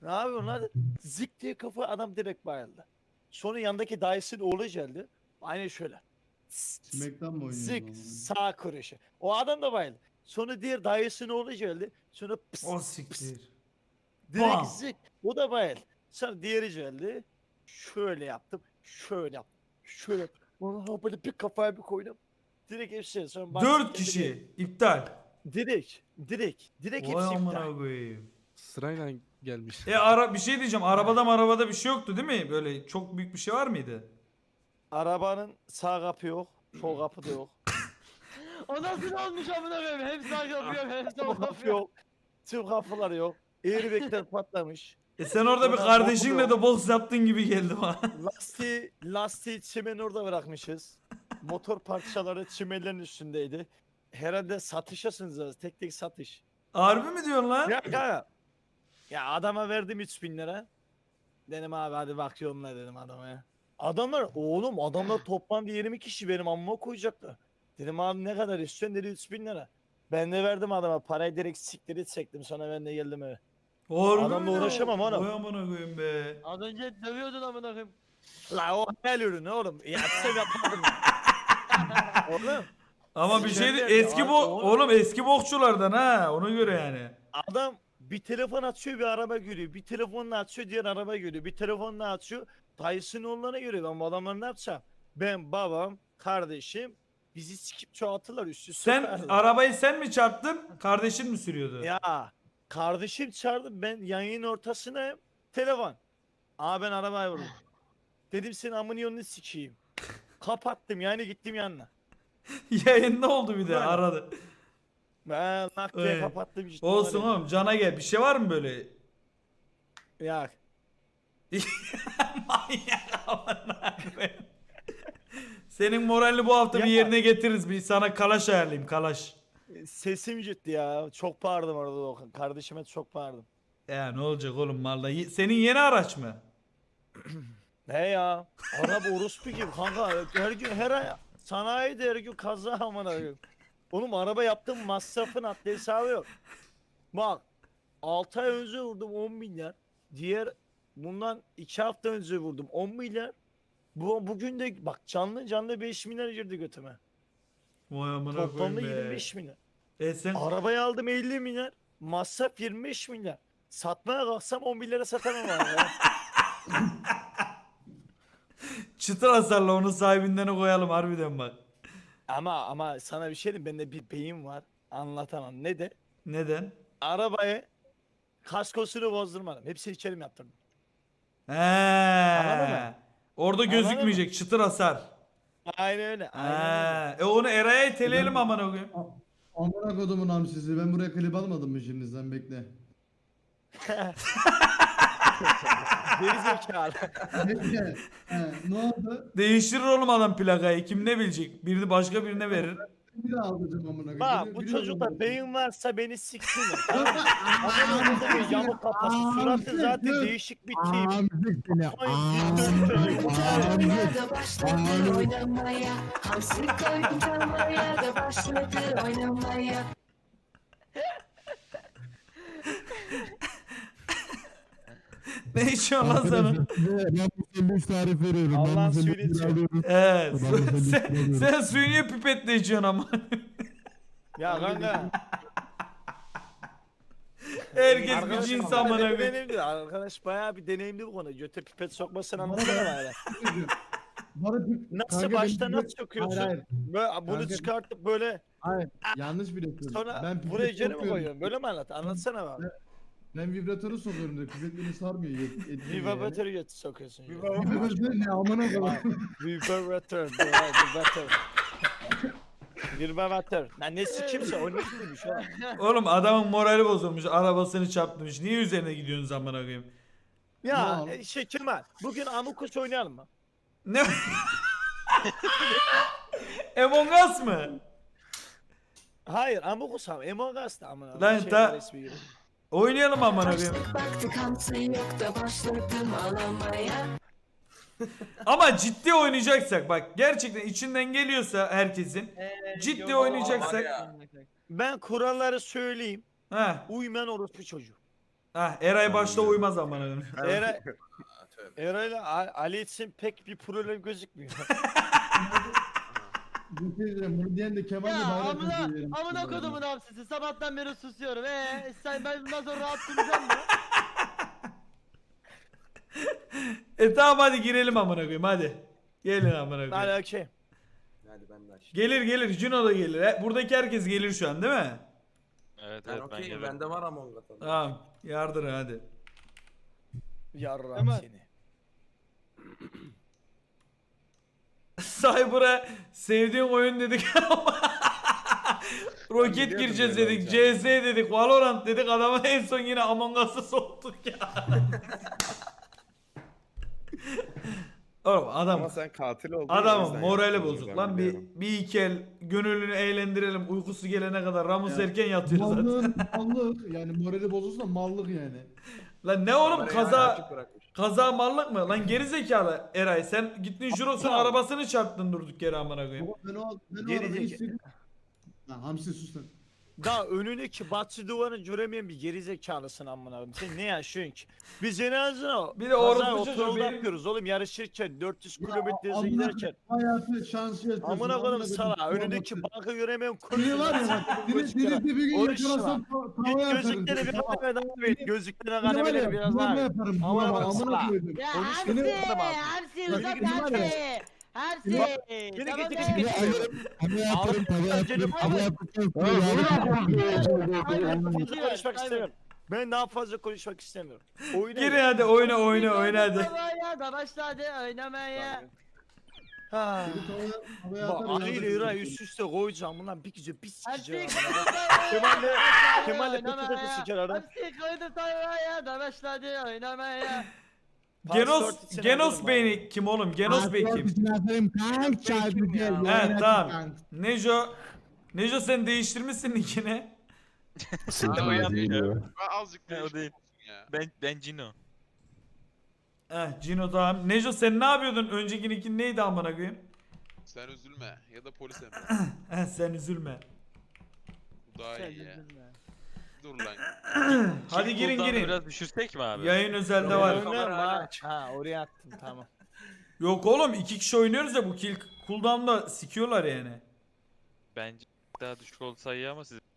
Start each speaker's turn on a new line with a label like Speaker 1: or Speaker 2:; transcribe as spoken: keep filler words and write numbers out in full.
Speaker 1: Ne yapıyorsun lan? Zik diye kafa adam direkt bayıldı. Sonra yandaki dayısının oğlu geldi. Aynı şöyle. Tıs, tıs,
Speaker 2: Smack'tan mı oynuyoruz
Speaker 1: zik
Speaker 2: ama?
Speaker 1: sağ kuruşu. O adam da bayıldı. Sonra diğer dayısının oğlu geldi. Sonra pıs
Speaker 3: O
Speaker 1: pıs.
Speaker 3: siktir.
Speaker 1: Direkt
Speaker 3: Bam.
Speaker 1: zik. O da bayıldı. Sonra diğeri geldi. Şöyle yaptım. Şöyle yaptım. Şöyle yaptım. Vallahi böyle bir kafaya bir koydum. Direkt hepsi. Sonra
Speaker 3: Dört
Speaker 1: baktım,
Speaker 3: kişi. iptal.
Speaker 1: Direkt. Direkt. Direkt
Speaker 3: Vay
Speaker 1: hepsi iptal.
Speaker 3: amına koyayım.
Speaker 4: Sırayla gelmiş.
Speaker 3: E ara bir şey diyeceğim. Arabada arabada bir şey yoktu değil mi? Böyle çok büyük bir şey var mıydı?
Speaker 1: Arabanın sağ kapı yok. Sol kapı da yok.
Speaker 5: O nasıl olmuş amına koyayım? Hem sağ yapıyor hem sol
Speaker 1: Sol kapı
Speaker 5: yapıyor.
Speaker 1: yok. Tüm kapılar yok. Airbag'ler patlamış.
Speaker 3: E sen orada bir
Speaker 1: Sonra
Speaker 3: kardeşinle
Speaker 1: motor
Speaker 3: de boks yaptın gibi geldi bana.
Speaker 1: Lastiği, lastiği çimen orada bırakmışız. Motor parçaları çimenlerin üstündeydi. Herhalde satışasınız. Tek tek satış.
Speaker 3: Harbi mi diyorsun lan?
Speaker 1: Ya kanka. Ya adama verdim üç bin lira. Dedim abi hadi bakıyorum ne dedim adama ya. Adamlar oğlum adamlar toplam yirmi kişi benim amma koyacaklar. Dedim abi ne kadar istiyorsun dedi üç bin lira. Ben de verdim adama parayı direkt siktir çektim sonra ben de geldim eve.
Speaker 3: Harbi
Speaker 1: Adamla
Speaker 3: mi diyorsun?
Speaker 1: uğraşamam oğlum.
Speaker 3: Vay amına koyayım be.
Speaker 5: Az önce dövüyordun amına koyayım.
Speaker 1: La o hayal ürünü oğlum. Yapsam yapardım. Oğlum
Speaker 3: Ama bir şey
Speaker 1: Sinirler
Speaker 3: eski
Speaker 1: ya,
Speaker 3: bo
Speaker 1: oğlum.
Speaker 3: oğlum eski bokçulardan ha ona göre yani.
Speaker 1: adam bir telefon açıyor bir araba görüyor. Bir telefonla açıyor diğer araba görüyor. Bir telefonla açıyor. Dayısının oğullarına görüyor. Ben bu adamları ne yapacağım? Ben babam, kardeşim bizi sikip çoğaltırlar üst üste
Speaker 3: Sen
Speaker 1: koyarlar.
Speaker 3: arabayı sen mi çarptın? Kardeşin mi sürüyordu?
Speaker 1: Ya kardeşim çağırdı ben yayının ortasına telefon. Aa ben arabaya vurdum. Dedim senin amını yolunu sikeyim. Kapattım yani gittim yanına.
Speaker 3: Yayında oldu bir de
Speaker 1: Böyle.
Speaker 3: aradı.
Speaker 1: Ben nak diye
Speaker 3: Evet.
Speaker 1: kapattım. gittim
Speaker 3: Olsun
Speaker 1: oraya.
Speaker 3: oğlum cana gel. Bir şey var mı böyle?
Speaker 1: Ya
Speaker 3: Manyak amına koyayım. Senin moralini bu hafta bir
Speaker 1: Ya.
Speaker 3: yerine getiririz. Bir sana kalaş ayarlayayım kalaş.
Speaker 1: sesim gitti ya. Çok bağırdım orada Doğukan. Kardeşime çok bağırdım.
Speaker 3: Ya ne olacak oğlum valla. Ye- Senin yeni araç mı?
Speaker 1: Ne ya? Araba orospu gibi kanka. Her gün her ay sanayide her gün kaza amına koyayım. Oğlum araba yaptım masrafın adli hesabı yok. Bak altı ay önce vurdum on milyar. Diğer bundan iki hafta önce vurdum on milyar. Bu bugün de bak canlı canlı beş milyar girdi götüme.
Speaker 3: Vay amına
Speaker 1: Toplamda
Speaker 3: koyayım be.
Speaker 1: yirmi beş milyar.
Speaker 3: E sen
Speaker 1: Arabayı aldım elli milyar. Masraf yirmi beş milyar. Satmaya kalksam on milyara satamam abi.
Speaker 3: çıtır hasarla onu sahibinden koyalım harbiden bak.
Speaker 1: Ama ama sana bir şey diyeyim bende bir beyin var. Anlatamam. Ne de?
Speaker 3: Neden?
Speaker 1: Arabayı kaskosunu bozdurmadım. Hepsini içerim yaptırdım.
Speaker 3: He.
Speaker 1: Anladın mı?
Speaker 3: Orada
Speaker 1: Anladın
Speaker 3: gözükmeyecek çıtır hasar.
Speaker 1: Aynen öyle. Aynen öyle.
Speaker 3: He. E onu Eray'a iteleyelim amına koyayım.
Speaker 2: A- Amına kodumun hamsisi. Ben buraya klip almadım mı şimdi sen bekle.
Speaker 1: Geri zekalı.
Speaker 2: Bekle. He, ne oldu?
Speaker 3: Değiştirir oğlum adam plakayı. Kim ne bilecek? Birini başka birine verir.
Speaker 2: Bir daha alacağım amına koyayım.
Speaker 1: Bak
Speaker 2: Biliyor-
Speaker 1: bu
Speaker 2: biliyorum
Speaker 1: çocukta
Speaker 2: ben.
Speaker 1: beyin varsa beni siksinler. Tamam mı? Adamın kafası yamuk kafası. Suratı zaten değişik bir tip.
Speaker 2: Amcık seni.
Speaker 1: Ay, dikdörtgen çocuk.
Speaker 6: Oynamaya da başladı oynamaya. Hamsi koydum kalmaya da başladı oynamaya.
Speaker 3: Ne içiyorsun lan sen?
Speaker 2: Ben bu sandviç tarif veriyorum.
Speaker 1: Allah'ın
Speaker 2: Ben bu
Speaker 1: suyunu
Speaker 2: sandviçleri
Speaker 1: içiyor.
Speaker 2: alıyorum.
Speaker 3: Evet.
Speaker 2: Ben de seni
Speaker 3: sen,
Speaker 2: istiyorum.
Speaker 3: sen suyu niye pipetle içiyorsun ama?
Speaker 1: Ya kanka.
Speaker 3: Herkes bir
Speaker 1: Arkadaş
Speaker 3: cins
Speaker 1: bayağı
Speaker 3: amına
Speaker 1: bir
Speaker 3: koyayım.
Speaker 1: deneyimli. Arkadaş bayağı bir deneyimli bu konu. Göte pipet sokmasını anlatsana bana.
Speaker 2: Bana bir-
Speaker 1: Nasıl
Speaker 2: Kanka
Speaker 1: başta
Speaker 2: benim-
Speaker 1: nasıl sokuyorsun?
Speaker 2: Hayır, hayır.
Speaker 1: Böyle bunu
Speaker 2: Kanka-
Speaker 1: çıkartıp böyle
Speaker 2: Hayır. Yanlış biliyorsun.
Speaker 1: sonra
Speaker 2: Ben pipet
Speaker 1: buraya içeri mi
Speaker 2: sokuyorum.
Speaker 1: koyuyorsun? Böyle mi anlat? Anlatsana bana.
Speaker 2: Ben vibratörü sokuyorum da pipet beni sarmıyor. yet- etmiyor yani.
Speaker 1: Vibratörü götü sokuyorsun. ya.
Speaker 2: Vibratör ne amına koyayım.
Speaker 1: Vibratör. Vibratör. Vibratör. Lan ne sikimse o ne sikimmiş o.
Speaker 3: Oğlum adamın morali bozulmuş. Arabasını çarptırmış. Niye üzerine gidiyorsunuz amına koyayım?
Speaker 1: Ya
Speaker 2: Ulan.
Speaker 1: e, şey Kemal bugün Amukus oynayalım mı?
Speaker 3: Ne? Among Us mı?
Speaker 1: Hayır Amukus abi. Among Us da amına.
Speaker 3: Lan
Speaker 1: Şey
Speaker 3: ta-
Speaker 1: var ismi gibi.
Speaker 3: Oynayalım amına koyayım.
Speaker 6: Başlık baktık hamsi yok da başladım ağlamaya.
Speaker 3: Ama ciddi oynayacaksak bak gerçekten içinden geliyorsa herkesin ciddi
Speaker 5: yok,
Speaker 3: oynayacaksak
Speaker 1: Ben kuralları söyleyeyim.
Speaker 3: ha
Speaker 1: Uymayan orospu çocuğu.
Speaker 3: Ah Eray başta uymaz amına koyayım.
Speaker 1: Eray, Eray'la A- Ali için pek bir problem gözükmüyor.
Speaker 2: Bu şey diyeceğim, bunu diyen de Kemal de
Speaker 5: Ya
Speaker 2: bayrak
Speaker 5: amına
Speaker 2: özür
Speaker 5: amına kodumun hamsisi sabahtan beri susuyorum. Eee sen ben bundan sonra rahat duracağım mı?
Speaker 3: E tamam hadi girelim amına koyayım hadi. Gelin amına
Speaker 1: Hadi
Speaker 3: koyayım.
Speaker 1: okey.
Speaker 7: Hadi ben de aç.
Speaker 3: Gelir gelir Juno da gelir. He, buradaki herkes gelir şu an değil mi?
Speaker 8: Evet
Speaker 7: Ben
Speaker 8: evet ben
Speaker 7: okeyim,
Speaker 8: gelirim.
Speaker 7: bende var Among Us.
Speaker 3: Tamam yardır hadi.
Speaker 1: Yarram
Speaker 5: Hemen.
Speaker 1: seni.
Speaker 3: Cyber'a sevdiğin oyun dedik ama Roket
Speaker 7: biliyordum
Speaker 3: gireceğiz
Speaker 7: böyle
Speaker 3: dedik,
Speaker 7: olacağını.
Speaker 3: C S dedik, Valorant dedik, adama en son yine Among Us'ı soktuk ya. Oğlum adam
Speaker 9: Ama sen katil oldun.
Speaker 3: adamın morali bozuk lan, bir, bir iki el gönüllünü eğlendirelim, uykusu gelene kadar Ramus
Speaker 2: Ya,
Speaker 3: erken yatıyor zaten.
Speaker 2: Mallığın mallık yani morali bozulsa mallık yani.
Speaker 3: Lan ne oğlum kaza
Speaker 7: Açık bırakmış.
Speaker 3: kaza mallık mı? Lan geri zekalı Eray, sen gittin Juros'un
Speaker 1: Tamam.
Speaker 3: arabasını çarptın durduk yere amına koyayım.
Speaker 2: Baba ben o ben o
Speaker 1: Geri
Speaker 2: arabayı
Speaker 1: zeka-
Speaker 2: istedim. Lan Hamsi sus lan.
Speaker 1: Daha önündeki batı duvarını göremeyen bir gerizekalısın amına koyayım. Sen ne yaşıyorsun ki? Biz en azından
Speaker 3: Bir de
Speaker 1: kaza
Speaker 3: orospu çocuğu
Speaker 1: otoyolda
Speaker 3: benim-
Speaker 1: yapıyoruz oğlum, yarışırken dört yüz
Speaker 2: Ya,
Speaker 1: kilometre hıza
Speaker 2: amına
Speaker 1: giderken.
Speaker 2: Hayatı şansı yaşıyorsun.
Speaker 1: Amına koyayım
Speaker 2: amına
Speaker 1: sana,
Speaker 2: koyayım.
Speaker 1: önündeki banka göremeyen
Speaker 2: Seni var ya bak. Seni seni bir gün
Speaker 1: Konuşma.
Speaker 2: yakalasam ta-
Speaker 1: Git
Speaker 2: tavaya atarım.
Speaker 1: gözlükleri bir
Speaker 2: Tamam.
Speaker 1: kademe daha ver. Gözlüklerine
Speaker 2: Seni var
Speaker 1: kademeleri
Speaker 2: ya
Speaker 1: biraz
Speaker 2: bulama
Speaker 1: daha ver.
Speaker 2: yaparım.
Speaker 1: Amına
Speaker 2: Bulama
Speaker 1: koyayım
Speaker 2: amına
Speaker 1: sana.
Speaker 2: koydum.
Speaker 5: Ya
Speaker 1: Konuş,
Speaker 5: hamsi,
Speaker 1: beni bana bak.
Speaker 5: hamsi
Speaker 1: Yürü
Speaker 5: uzat
Speaker 1: git,
Speaker 5: hamsi.
Speaker 1: yürü.
Speaker 5: Hamsi.
Speaker 1: Yürü
Speaker 5: Tamam
Speaker 1: git,
Speaker 5: be.
Speaker 1: git, git.
Speaker 2: yaparım tavaya
Speaker 1: yaparım, tavaya Fazla konuşmak istemiyorum. Ben daha fazla konuşmak istemiyorum. Oyuna
Speaker 3: Gir
Speaker 1: gir.
Speaker 3: hadi oyna oyna oyna hadi.
Speaker 5: Oynamaya da başladı oynamaya.
Speaker 1: Ha.
Speaker 2: Tavaya
Speaker 1: Bak
Speaker 2: atarım,
Speaker 1: Ali ile
Speaker 2: yaparım.
Speaker 1: İray üst üste koyacağım bunlar bir gece bir sikeceğim.
Speaker 5: Hamsi
Speaker 1: Kemal'le Kemal'le pıtı pıtı siker adam.
Speaker 5: Hamsi koydu oynamaya da başladı oynamaya.
Speaker 3: Genos
Speaker 1: Passport için
Speaker 3: Genos
Speaker 1: alırım
Speaker 3: Bey'ni kim oğlum? Genos Bey kim? He tamam. Nejo Nejo sen değiştirmişsin nickini.
Speaker 8: Aa, o yapıyor.
Speaker 9: Azıcık
Speaker 8: Ha, o değil.
Speaker 9: ya.
Speaker 8: Ben ben Cino.
Speaker 3: Heh Cino tamam. Nejo sen ne yapıyordun? Önceki nickin neydi amına koyayım?
Speaker 9: Sen üzülme ya da polis emri.
Speaker 3: Heh sen üzülme.
Speaker 9: Bu daha iyi ya. Dur lan.
Speaker 3: Hadi girin
Speaker 8: Cooldown'u
Speaker 3: girin.
Speaker 8: Biraz düşürsek mi abi?
Speaker 3: Yayın özelde var.
Speaker 1: Oynar mı ha? Ha oraya attım tamam.
Speaker 3: Yok oğlum iki kişi oynuyoruz ya, bu kill cooldown'da sikiyorlar yani.
Speaker 8: Bence daha düşük olsa iyi ama siz